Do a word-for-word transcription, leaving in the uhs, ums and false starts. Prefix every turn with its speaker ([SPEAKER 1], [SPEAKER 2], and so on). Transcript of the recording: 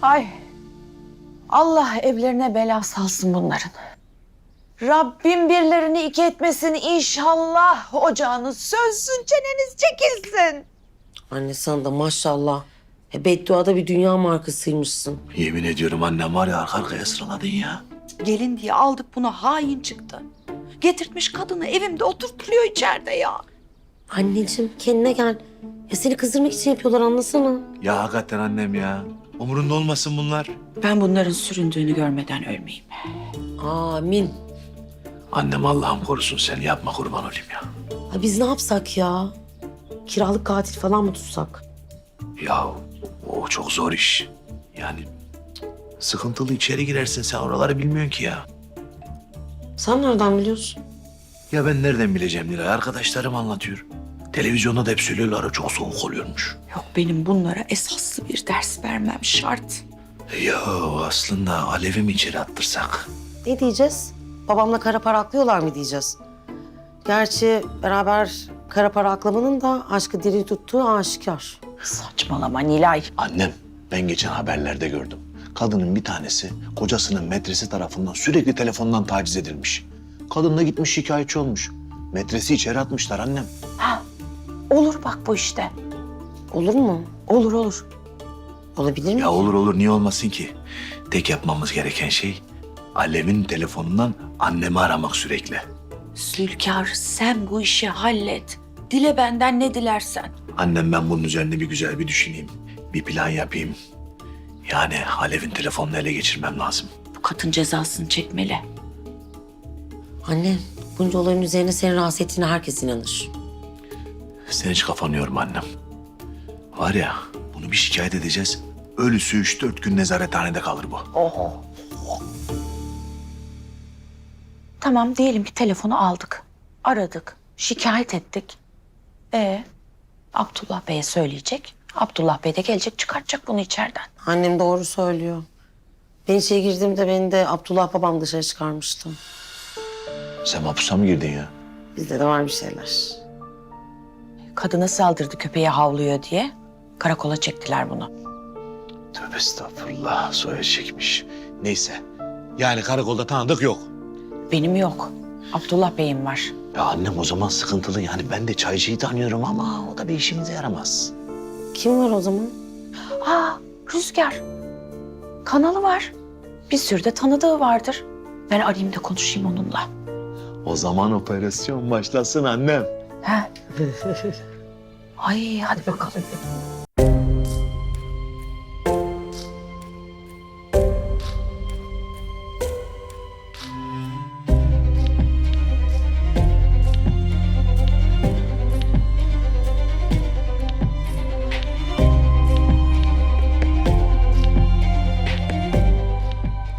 [SPEAKER 1] Ay. Allah evlerine bela salsın bunların. Rabbim birlerini iki etmesin inşallah. Ocağınız sönsün, çeneniz çekilsin.
[SPEAKER 2] Anne sen de maşallah. E, bedduada bir dünya markasıymışsın.
[SPEAKER 3] Yemin ediyorum annem var ya arka arkaya sıraladın ya.
[SPEAKER 1] Gelin diye aldık buna hain çıktı. Getirtmiş kadını evimde oturtuluyor içeride ya.
[SPEAKER 2] Anneciğim kendine gel. Ya seni kızdırmak için yapıyorlar anlasana.
[SPEAKER 3] Ya hakikaten annem ya. Umurunda olmasın bunlar.
[SPEAKER 1] Ben bunların süründüğünü görmeden ölmeyeyim.
[SPEAKER 2] Amin.
[SPEAKER 3] Annem Allah'ım korusun seni yapma kurban olayım ya.
[SPEAKER 2] Ha, biz ne yapsak ya? Kiralık katil falan mı tutsak?
[SPEAKER 3] Ya o çok zor iş. Yani cık, sıkıntılı içeri girersin sen oraları bilmiyorsun ki ya.
[SPEAKER 2] Sen nereden biliyorsun?
[SPEAKER 3] Ya ben nereden bileceğim Nilay? Arkadaşlarım anlatıyor. Televizyonda da hep söylüyorlar çok soğuk oluyormuş.
[SPEAKER 1] Yok benim bunlara esaslı bir ders vermem şart.
[SPEAKER 3] Ya aslında Alev'i mi içeri attırsak?
[SPEAKER 2] Ne diyeceğiz? Babamla kara para aklıyorlar mı diyeceğiz? Gerçi beraber kara para aklamanın da aşkı diri tuttuğu aşikar.
[SPEAKER 1] Saçmalama Nilay.
[SPEAKER 3] Annem ben geçen haberlerde gördüm. Kadının bir tanesi kocasının metresi tarafından sürekli telefondan taciz edilmiş. Kadın da gitmiş şikayetçi olmuş. Metresi içeri atmışlar annem.
[SPEAKER 1] Ha, olur bak bu işte.
[SPEAKER 2] Olur mu?
[SPEAKER 1] Olur olur.
[SPEAKER 2] Olabilir mi?
[SPEAKER 3] Ya olur olur niye olmasın ki? Tek yapmamız gereken şey Alev'in telefonundan annemi aramak sürekli.
[SPEAKER 1] Zülkar sen bu işi hallet. Dile benden ne dilersen.
[SPEAKER 3] Annem ben bunun üzerine bir güzel bir düşüneyim. Bir plan yapayım. Yani Alev'in telefonunu ele geçirmem lazım.
[SPEAKER 1] Bu kadın cezasını çekmeli.
[SPEAKER 2] Anne, bunca olayın üzerine seni rahatsız ettiğine herkes inanır.
[SPEAKER 3] Sen hiç kafanı yorma annem. Var ya bunu bir şikayet edeceğiz. Ölüsü üç dört gün nezarethanede kalır bu.
[SPEAKER 1] Oho. Tamam diyelim ki telefonu aldık. Aradık. Şikayet ettik. Ee, Abdullah Bey'e söyleyecek. Abdullah Bey de gelecek çıkartacak bunu içeriden.
[SPEAKER 2] Annem doğru söylüyor. Ben içeri girdiğimde beni de Abdullah babam dışarı çıkarmıştı.
[SPEAKER 3] Sen mahpusa mı girdin ya?
[SPEAKER 2] Bizde de var bir şeyler.
[SPEAKER 1] Kadına saldırdı köpeğe havlıyor diye. Karakola çektiler bunu.
[SPEAKER 3] Tövbe estağfurullah soya çekmiş. Neyse yani karakolda tanıdık yok.
[SPEAKER 1] Benim yok. Abdullah Bey'im var.
[SPEAKER 3] Ya annem o zaman sıkıntılı yani ben de çaycıyı tanıyorum ama o da bir işimize yaramaz.
[SPEAKER 2] Kim var o zaman?
[SPEAKER 1] Aa, Rüzgar. Kanalı var. Bir sürü de tanıdığı vardır. Ben arayayım da konuşayım onunla.
[SPEAKER 3] O zaman operasyon başlasın annem.
[SPEAKER 1] He. Ay hadi bakalım.